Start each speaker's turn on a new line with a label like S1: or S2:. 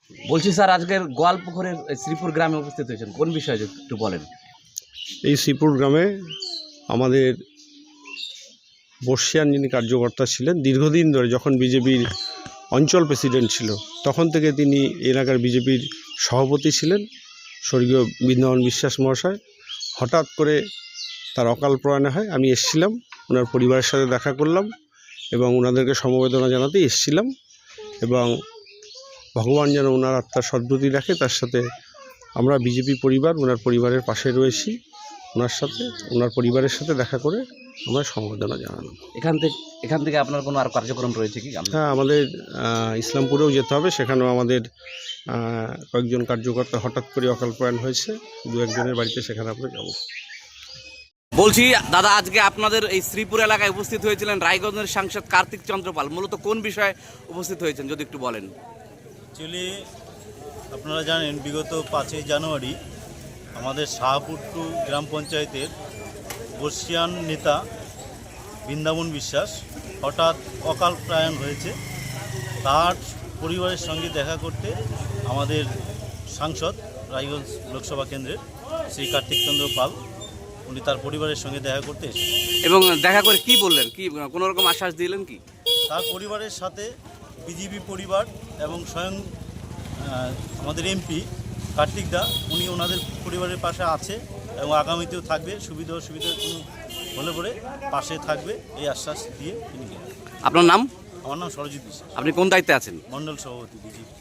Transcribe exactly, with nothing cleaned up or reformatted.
S1: বলছি স্যার, আজকের গোয়ালপুকুরের শ্রীপুর গ্রামে উপস্থিত হয়েছেন, কোন বিষয়ে একটু বলেন।
S2: এই শ্রীপুর গ্রামে আমাদের বর্ষিয়ান যিনি কার্যকর্তা ছিলেন, দীর্ঘদিন ধরে যখন বিজেপির অঞ্চল প্রেসিডেন্ট ছিল তখন থেকে তিনি এলাকার বিজেপির সভাপতি ছিলেন, স্বর্গীয় বৃন্দাবন বিশ্বাস মহাশয়। হঠাৎ করে তার অকাল প্রয়াণে হয়। আমি এসেছিলাম, ওনার পরিবারের সাথে দেখা করলাম এবং ওনাদেরকে সমবেদনা জানাতে এসেছিলাম এবং ভগবান যেন ওনার আত্মার সদ্গতি রাখে, তার সাথে আমরা বিজেপি পরিবার ওনার পরিবারের পাশে রয়েছি। ওনার সাথে ওনার পরিবারের সাথে দেখা করে আমরা সমবেদনা জানালাম।
S1: এখান থেকে এখান থেকে আপনার কোনো আর কার্যক্রম রয়েছে কি?
S2: হ্যাঁ, আমাদের ইসলামপুরেও যেতে হবে, সেখানেও আমাদের কয়েকজন কার্যকর্তা হঠাৎ করে অকাল প্রয়াণ হয়েছে, দু একজনের বাড়িতে, সেখানে আমরা যাব।
S1: বলছি দাদা, আজকে আপনাদের এই শ্রীপুর এলাকায় উপস্থিত হয়েছিলেন রায়গঞ্জের সাংসদ কার্তিক চন্দ্রপাল, মূলত কোন বিষয়ে উপস্থিত হয়েছেন যদি একটু বলেন।
S3: অ্যাকচুয়ালি আপনারা জানেন, বিগত পাঁচই জানুয়ারি আমাদের শাহপুরটু গ্রাম পঞ্চায়েতের বর্ষিয়ান নেতা বৃন্দাবন বিশ্বাস হঠাৎ অকাল প্রয়াণ হয়েছে। তার পরিবারের সঙ্গে দেখা করতে আমাদের সাংসদ রায়গঞ্জ লোকসভা কেন্দ্রের শ্রী কার্তিক চন্দ্র পাল, উনি তার পরিবারের সঙ্গে দেখা করতে এসেছেন।
S1: এবং দেখা করে কি বললেন, কি কোনো রকম আশ্বাস দিলেন কি?
S3: তার পরিবারের সাথে বিজেপি পরিবার এবং স্বয়ং আমাদের এমপি কার্তিক দা, উনি ওনাদের পরিবারের পাশে আছে এবং আগামীতেও থাকবে, সুবিধা অসুবিধা কোনো হলে পরে পাশে থাকবে, এই আশ্বাস দিয়ে তিনি গেলেন।
S1: আপনার নাম?
S3: আমার নাম সরজিৎ বিশ্বাস,
S1: আপনি কোন দায়িত্বে আছেন?
S3: মণ্ডল সভাপতি বিজেপি।